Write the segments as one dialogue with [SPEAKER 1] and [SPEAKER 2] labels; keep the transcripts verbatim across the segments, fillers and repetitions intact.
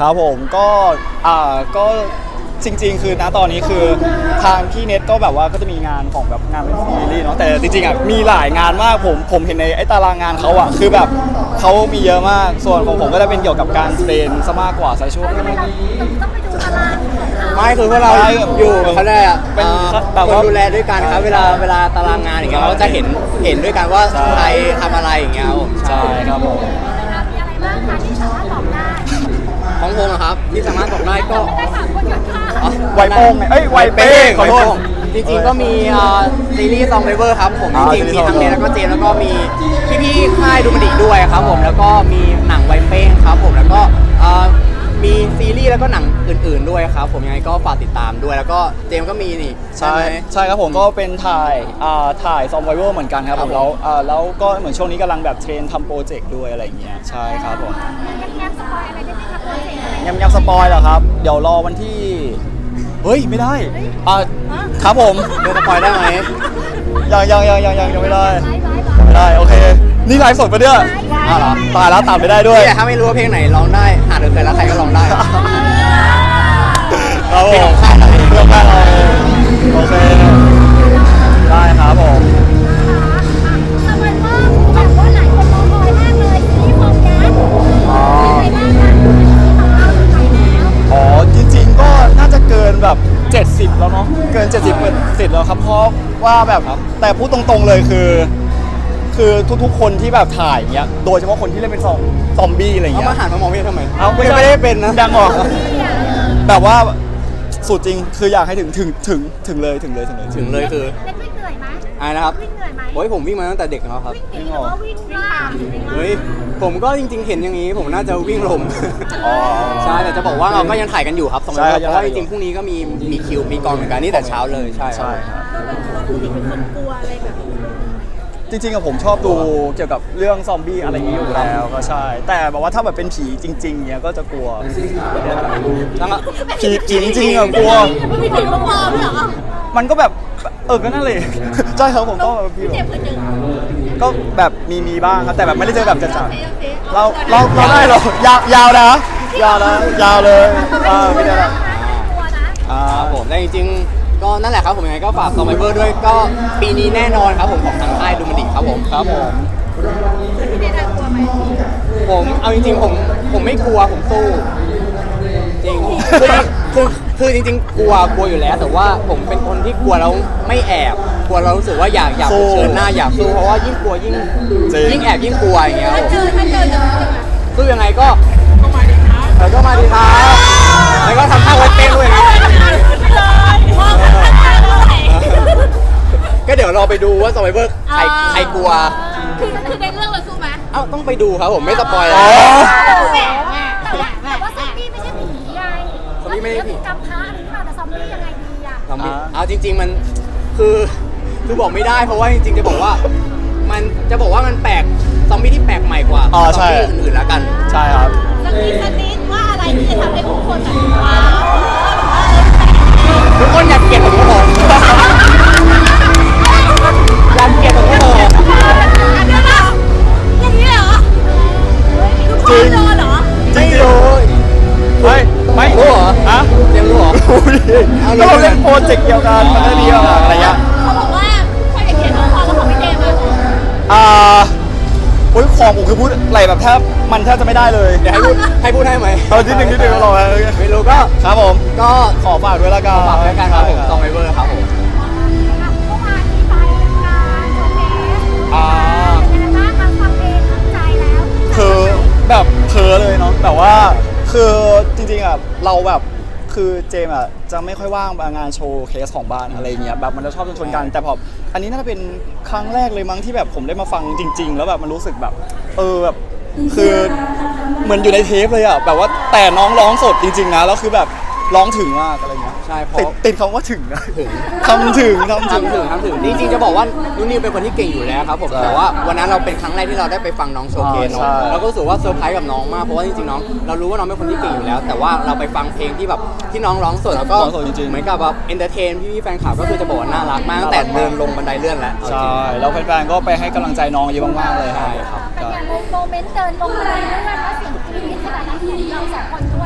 [SPEAKER 1] ครับผมก็อ่าก็จริงๆคือณตอนนี้คือทางพี่เน็ตก็แบบว่าก็จะมีงานของแบบงานเป็นซีรีส์เนาะแต่จริงๆอ่ะมีหลายงานมากผมผมเห็นในไอ้ตารางงานเขาอ่ะคือแบบเขามีเยอะมากส่วนของผมก็จะเป็นเกี่ยวกับการเทรนซะมากกว่าซะช่วง
[SPEAKER 2] ทำไมเราต้องไปดูตารางของเขา
[SPEAKER 3] ไม่คือพวกเราอยู่เขาได้อะ
[SPEAKER 1] เป็น
[SPEAKER 3] อ่า
[SPEAKER 1] แบบ
[SPEAKER 3] คน
[SPEAKER 1] ว่า
[SPEAKER 3] ดูแลด้วยกันครับเวลาเวลาตารางงานอย่างเงี้ยเราก็จะเห็นเห็นด้วยกันว่า
[SPEAKER 1] ใช่
[SPEAKER 3] ใครทำอะไรอย่างเงี้ยครับผม
[SPEAKER 1] ใช่ครับผม
[SPEAKER 2] มีอะไรบ้างคะที่สามารถบอกได้
[SPEAKER 3] ของผมอะครับที่สามารถบอกได้ก็
[SPEAKER 2] ไม่ได้ถามคนหยุดค่ะ
[SPEAKER 3] อ๋อ
[SPEAKER 1] ไวโป้งไงเอ้ยไวเป้งขอโทษ
[SPEAKER 3] จริงๆก็มีอ่าซีรีส์ซองไวเวอร์ครับผม
[SPEAKER 1] อ่า
[SPEAKER 3] จริงๆ
[SPEAKER 1] ซีรี
[SPEAKER 3] มี
[SPEAKER 1] ส์
[SPEAKER 3] ทั้ง
[SPEAKER 1] Song
[SPEAKER 3] เน
[SPEAKER 1] Waver
[SPEAKER 3] แล้วก็เจมส์แล้วก็มีพี่ๆค่ายดูมันดีด้วยครับผมแล้วก็มีหนังไวเป้งครับผมแล้วก็อ่ามีซีรีส์แล้วก็หนังอื่นๆด้วยครับผมยังไงก็ฝากติดตามด้วยแล้วก็เจมส์ก็มีนี่
[SPEAKER 1] ใช่
[SPEAKER 3] ไหม
[SPEAKER 1] ใช่ครับผมก็เป็นถ่ายอ่าถ่ายซอมไวเวอร์เหมือนกันครับ
[SPEAKER 3] ค
[SPEAKER 1] ผ
[SPEAKER 3] รับ
[SPEAKER 1] มแล้วอ่าแล้วก็เหมือนช่วงนี้กำลังแบบเทรนทำโปรเจกต์ด้วยอะไรอย่างเงี้ยใช่ครับผม
[SPEAKER 2] แง้มๆสปอยอะไรได้ไหมคะโปรเจกต์อะไร
[SPEAKER 1] ยังยังสปอยเหรอครับ เดี๋ยวรอวันที่เฮ้ยไม่ได้อ่าครับผม
[SPEAKER 3] เดี๋ยวสปอยได้ไหม
[SPEAKER 1] ยังยังยังยังยังยังไม่ได้
[SPEAKER 2] ไว้ไว้
[SPEAKER 1] ยังไม่ได้โอเคนี่ไลฟ์สดปะเนี่ย
[SPEAKER 3] อ้าวเหรอ
[SPEAKER 1] ตายแล้วตัดไม่ได้ด้วย
[SPEAKER 3] นี่แหละถ้าไม่รู้ว่าเพลงไหนร้องได้หาเดินเคยรักใครก็ร้องได้
[SPEAKER 1] ครับผม
[SPEAKER 3] เพลงของค่ายเราเอง
[SPEAKER 1] เรื่องค่ายเราเองโอเคได้ครับผม
[SPEAKER 2] สมัยว่าแบบว่าหลายคนรอคอยมากเลยที่ฟอร์มยักษ์
[SPEAKER 1] อ๋อ
[SPEAKER 2] เป็นไงบ้างคะที่ของเราถึงไหนแล้ว
[SPEAKER 1] อ๋อจริงๆก็น่าจะเกินแบบเจ็ดสิบแล้วเนาะเกินเจ็ดสิบเปอร์เซ็นต์แล้วครับเพราะว่าแบบแต่พูดตรงๆเลยคือ คือทุกๆ คนที่แบบถ่ายอย่างเงี้ยโดยเฉพาะคนที่เล่นเป็นซอมซอมบี้อะไร
[SPEAKER 3] เอา
[SPEAKER 1] เงี้ย
[SPEAKER 3] มาหันมามองพี่ทำไม
[SPEAKER 1] เอาไม่
[SPEAKER 3] ยัง
[SPEAKER 1] ใช่
[SPEAKER 3] ไม่ได้เป็นนะ
[SPEAKER 1] ดังออกแบบว่าสุดจริงคืออยากให้ถึงถึงถึงถึงเลยถึงเลยถึงเลย
[SPEAKER 3] ถึงเลยคือ
[SPEAKER 2] เล่นวิ่งเหนื่อยไหม
[SPEAKER 3] อะไรนะครับ
[SPEAKER 2] วิ่งเหนื่อยไหม
[SPEAKER 3] โอ้ยผมวิ่งมาตั้งแต่เด็กแล้วครับ
[SPEAKER 2] วิ่งหนีหรือว่าวิ่งล่า
[SPEAKER 3] เฮ้ยผมก็จริงๆเห็นอย่างนี้ ผมน่าจะวิ่งลม
[SPEAKER 1] อ๋อ
[SPEAKER 3] ใช่แต่จะบอกว่าเราก็ยังถ่ายกันอยู่ครับสอง
[SPEAKER 1] ใช่
[SPEAKER 3] วันเพราะว่า
[SPEAKER 1] ยั
[SPEAKER 3] จ
[SPEAKER 1] งถ่ายอยู่
[SPEAKER 3] ริงๆพรุ่งนี้ก็มีมีคิวมีกองเหมือนกันนี่แต่เช้าเลยใช่ครับ
[SPEAKER 1] ใช่ครับ
[SPEAKER 2] เราดูดิเป็นคนกลัวอะไรแบบ
[SPEAKER 1] จริงๆอะผมชอบดูเกี่ยวกับเรื่องซอมบี้อะไรอย่างนี้อยู่แล้วก็ใช่ แต่แบบว่าถ้าแบบเป็นผีจริงๆเนี้ยก็จะกลัว
[SPEAKER 3] แล้วก็
[SPEAKER 1] ผีผีจริงๆอะกลัว
[SPEAKER 2] มันมีผีปลอมเหรอ
[SPEAKER 1] มันก็แบบเออก็นั่นเลยใช่ครับผมก็แบบพี่
[SPEAKER 2] เจ็บเคยเจอ
[SPEAKER 1] ก็แบบมีมีบ้างครับแต่แบบไม่ได้เจอแบบจัดๆเราเราเราได้เหรอยาวยาวนะยาวนะยาวเลยอ่าไม่ได้ละ
[SPEAKER 2] กลัวนะ
[SPEAKER 1] อ่า
[SPEAKER 3] ครับผมแต่จริงๆก็นั่นแหละครับผมยังไงก็ฝากซอมไบเบอร์ด้วยก็ปีนี้แน่นอนครับผมของทางค่ายดูมันดิครับผม
[SPEAKER 1] ครับผม
[SPEAKER 2] พี่เนทกลัวไหม
[SPEAKER 3] ผมเอาจริงๆผมผมไม่กลัวผมสู้จริงคือคือคือจริงๆกลัวกลัวอยู่แล้ว แต่ว่าผมเป็นคนที่กลัวแล้วไม่แอบกลัวเรารู้สึกว่าอยากอยากเผชิญหน้าอยากสู้เพราะว่ายิ่งกลัวยิ่งยิ่งแอบยิ่งกลัวอย่างเงี้ยครับผม
[SPEAKER 2] เจอถ้าเจอจะรู้ยังไง
[SPEAKER 3] สู้ยังไงก็ก็มาดีครับแล้วก็มาดีครับแล้วก็ทำท่าไว้เต้นด้วยนะ
[SPEAKER 2] มองกันไม่ได้เลย
[SPEAKER 3] ก็เดี๋ยวเราไปดูว่าซอมไบเบอร์ใครใครกลัว
[SPEAKER 2] คือคือในเรื่องเราสู้ไหม
[SPEAKER 3] เอ้าต้องไปดูครับผมไม่สปอย
[SPEAKER 1] อ๋
[SPEAKER 3] แล้
[SPEAKER 1] อ
[SPEAKER 3] ว
[SPEAKER 2] แหมแต่ว่าแต่ว่าซอมบี้ไม่ใช่ผีไง
[SPEAKER 3] ซอมบี้ไม่ใช่ผี
[SPEAKER 2] กำพร้าอะไรนี่มาแต่ซอมบี้ยังไงดีอ่ะ
[SPEAKER 3] ซอมบี้เอาจริง ๆมันคือคือบอกไม่ได้เพราะว่าจริงๆจะบอกว่า มันจะบอกว่ามันแปลกซอมบี้ที่แปลกใหม่กว่า
[SPEAKER 1] อ๋อ
[SPEAKER 3] ซ
[SPEAKER 1] ใช่
[SPEAKER 3] อมบี้อื่นๆแล้วกัน
[SPEAKER 1] ใช่ครับ
[SPEAKER 2] สนิทสนิทว่าอะไรที่จะทำให้ทุกคนแบบว้าว
[SPEAKER 3] ทุกคนอยากเกลียดผมก็บอกอยากเกลียดผมก็บอก
[SPEAKER 2] อันนี้เหรออย่างนี้เหรอคือพ่อโดนเหรอ
[SPEAKER 1] จริงอยู่เฮ้ยไม่
[SPEAKER 3] รู้เหรอ
[SPEAKER 1] ฮะ
[SPEAKER 3] เรียนรู้เหรอ
[SPEAKER 1] อุ้ยก็เราเล่นโปรเจกต์เดียวกันมันก็ดีมากอะไรเงี้ย
[SPEAKER 2] เขาบอกว่าใครอยากเขียนน้องพอแล้วของพี่เจมส์อ่ะ
[SPEAKER 1] อ่าโอ้ยของผมคือพูดอะไรแบบแทบมันแทบจะไม่ได้เลย
[SPEAKER 3] เดี๋ยวให้พูดให้พูดให้ไหม
[SPEAKER 1] เออนิดนึงนิดนึงเรา
[SPEAKER 3] ไม่รู้ก็
[SPEAKER 1] ครับผม
[SPEAKER 3] ก็
[SPEAKER 1] ขอฝากด้วยละกัน
[SPEAKER 3] ฝากด้วยกันครับผมซองไบเบอร์ครับผม
[SPEAKER 2] เมื่อวานนี้ไปงานโชว์เคส
[SPEAKER 1] อ่า
[SPEAKER 2] เป็นยังไงบ้างคะฟังเพลงเข้าใจแล้ว
[SPEAKER 1] คือแบบเพอเลยเนาะแต่ว่าคือจริงๆอ่ะเราแบบคือเจมส์อ่ะจะไม่ค่อยว่างงานโชว์เคสของบ้านอะไรเงี้ยแบบมันจะชอบชนๆกันแต่พออันนี้น่าจะเป็นครั้งแรกเลยมั้งที่แบบผมได้มาฟังจริง ๆ แล้วแบบมันรู้สึกแบบเออแบบคือเหมือนอยู่ในเทปเลยอ่ะแบบว่าแต่น้องร้องสดจริงๆนะแล้วคือแบบร้องถึงมากอะไรเงี้ย
[SPEAKER 3] ใช่เพราะ
[SPEAKER 1] ติดติดคำว่าถึงนะ
[SPEAKER 3] ถึง
[SPEAKER 1] ทำถึงทำถึง
[SPEAKER 3] ทำถึงทำถึงจริงๆจะบอกว่านุ่นนิวเป็นคนที่เก่งอยู่แล้วครับผม
[SPEAKER 1] ใช่
[SPEAKER 3] แต่ว่าวันนั้นเราเป็นครั้งแรกที่เราได้ไปฟังน้องโชว์เคส
[SPEAKER 1] อ๋อ
[SPEAKER 3] เนาะ
[SPEAKER 1] ใช่
[SPEAKER 3] เราก็รู้สึกว่าเซอร์ไพรส์กับน้องมากเพราะว่าจริงๆน้องเรารู้ว่าน้องเป็นคนที่เก่งอยู่แล้ว แต่ว่าเราไปฟังเพลงที่แบบที่น้องร้องสดแล้วก็
[SPEAKER 1] ร้องสดจริงๆ
[SPEAKER 3] เหมือนกับแบบเอนเตอร์เทนพี่ๆแฟนคลับก็คือจะบอกว่าน่ารักมากตั้งแต่เดินลงบันไดเลื่อนแล้วเอาจริ
[SPEAKER 1] ใช่
[SPEAKER 3] ง
[SPEAKER 1] แล้วแฟนๆก็ไปให้กำลังใจน้องเยอะมากๆเลย
[SPEAKER 3] ใช่ครับ
[SPEAKER 2] เป็นอย่างโมเมนต์เดินลงบันไดเลื่อนแล้วเสียงกรี๊ดขนาดนั้นของเราสองคนด้วยอะไร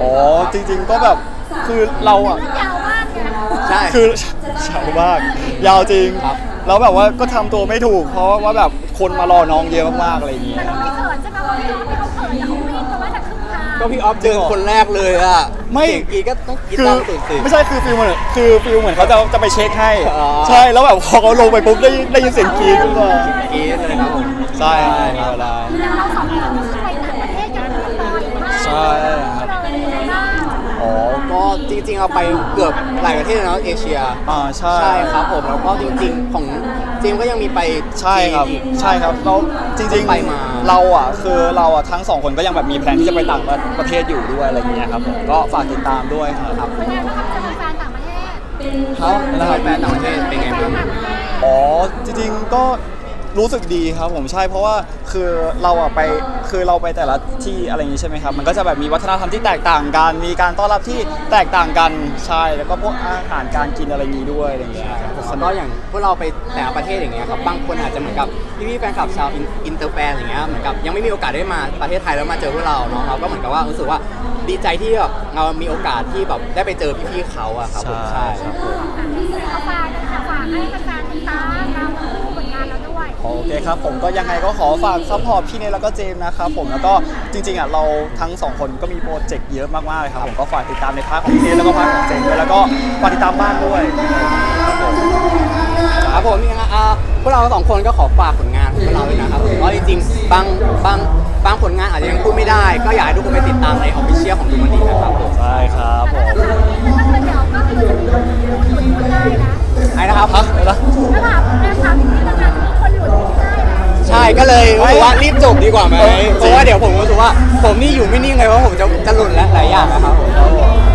[SPEAKER 1] อ๋อจริงๆก็แบบคือเราอ่ะ
[SPEAKER 2] ยาวมากไง
[SPEAKER 3] ใช่
[SPEAKER 1] คือเฉามากยาวจริง
[SPEAKER 3] ครับ
[SPEAKER 1] แล้วแบบว่าก็ทำตัวไม่ถูก เพราะว่าแบบคนมารอน้องเยอะมากๆอะไรอย่างเงี้ย
[SPEAKER 2] แต่เราไม่เขินใช่ไหมว่าพี่น้องที่เขาเขินแต่เขาวิ่งแต่ว่าจากครึ่งทาง
[SPEAKER 3] ก็พี่ออฟเจอคนแรกเลยอ่ะ
[SPEAKER 1] ไม่
[SPEAKER 3] เสียงกรีดก็ต้องกรีด
[SPEAKER 1] คือ
[SPEAKER 3] ตามตื่นตื่น
[SPEAKER 1] ไม่ใช่คือฟิลเหมือนคือฟิลเหมือนเขาจะจะไปเช็คให้
[SPEAKER 3] อ๋อ
[SPEAKER 1] ใช่แล้วแบบพอเขาลงไปปุ๊บได้ได้ยินเสียงกรี๊ดขึ้นมา
[SPEAKER 3] กรีดเลยครับผม
[SPEAKER 1] ใช่ครับได้
[SPEAKER 2] อย่างเราสองคนก็คือไปต่างประเทศกันบ่อยมาก
[SPEAKER 1] ใช่ครับ
[SPEAKER 2] เลยเลยบ้าง
[SPEAKER 3] อ๋อก็จริงๆเราไปเกือบหลายประเทศแล้วเนอะเอเชีย
[SPEAKER 1] อ่าใช่
[SPEAKER 3] ใช่ครับผมแล้วก็จริงๆของเจมส์ก็ยังมีไป
[SPEAKER 1] ใช่ครับ
[SPEAKER 3] จีนอีก
[SPEAKER 1] ใช่ครับแล้วจริง
[SPEAKER 3] ไปมา
[SPEAKER 1] ๆเราอ่ะคือเราอ่ะทั้งสองคนก็ยังแบบมีแพลนที่จะไปต่างประเทศอยู่ด้วยอะไรอย่างเงี้ยครับผมก็ฝากติดตามด้วยครับ
[SPEAKER 2] เป็นไงบ้างครับเจอแฟนต่างประเทศ
[SPEAKER 3] เขาแล้วแฟนต่างประเทศเป็นไงบ้าง
[SPEAKER 2] ต่างประเทศ
[SPEAKER 1] อ๋อจริงๆก็รู้สึกดีครับผมใช่เพราะว่าคือเราอะไปคือเราไปแต่ละที่อะไรอย่างนี้ใช่ไหมครับมันก็จะแบบมีวัฒนธรรมที่แตกต่างกัน มีการต้อนรับที่แตกต่างกันใช่แล้วก็พวกอาหารการกินอะไรอย่างนี้ด้วยอะไรอย่างเงี้ยครับ
[SPEAKER 3] แล้วก็อย่างพวกเราไปแต่ละประเทศอย่างเงี้ยครับบางคนอาจจะเหมือนกับพี่ๆแฟนคลับชาวอินเตอร์แฟนอย่างเงี้ยเหมือนกับยังไม่มีโอกาสได้มาประเทศไทยแล้วมาเจอพวกเราเนาะเราก็เหมือนกับว่ารู้สึกว่าดีใจที่แบบเรามีโอกาสที่แบบได้ไปเจอพี่ๆเขาอะครับผม
[SPEAKER 1] ใช่
[SPEAKER 3] ใช่ครับผม
[SPEAKER 2] เอาฝากนะคะฝากให้แฟนๆติดตามเราทั้งคู่ผลงานเราด้วย
[SPEAKER 1] โอเคครับผมก็ยังไงก็ขอฝากซัพพอร์ตพี่เนยแล้วก็เจมส์นะครับผมแล้วก็จริงๆอ่ะเราทั้งสองคนก็มีโปรเจกต์เยอะมากๆเลยครับผมก็ฝากติดตามในพาร์ทของพี่เนยแล้วก็พาร์ทของเจมส์ด้วยแล้วก็ฝากติดตามบ้านด้วยครับผม
[SPEAKER 3] ครับผมยังไงอ่าพวกเราสองคนก็ขอฝากผลงานของพวกเราด้วยนะครับผมเพราะจริงๆบางบางบางผลงานอาจจะยังพูดไม่ได้ ก็อยากให้ทุกคนไปติดตามในออฟฟิเชียลของดูมันดีนะครับผม
[SPEAKER 1] ใช่ครับผม
[SPEAKER 2] ก็คือเดี๋ยวก็คือจะมีคนหลุดหลุดได้นะ
[SPEAKER 3] ไอ้นะครับ
[SPEAKER 1] ฮะอะไรนะ
[SPEAKER 2] ถ้าถามแม่ถามที่ทำงานจะมีคนหลุดได้นะ
[SPEAKER 3] ใช่ก็เลยรู้สึกว่ารีบจบดีกว่าไหม
[SPEAKER 1] เออจริง
[SPEAKER 3] เพราะว่าเดี๋ยวผมรู้สึกว่าผมนี่อยู่ไม่นิ่งเลยเพราะผมจะจะหลุดแล้วหลายอย่างนะครับผม
[SPEAKER 1] ครับผม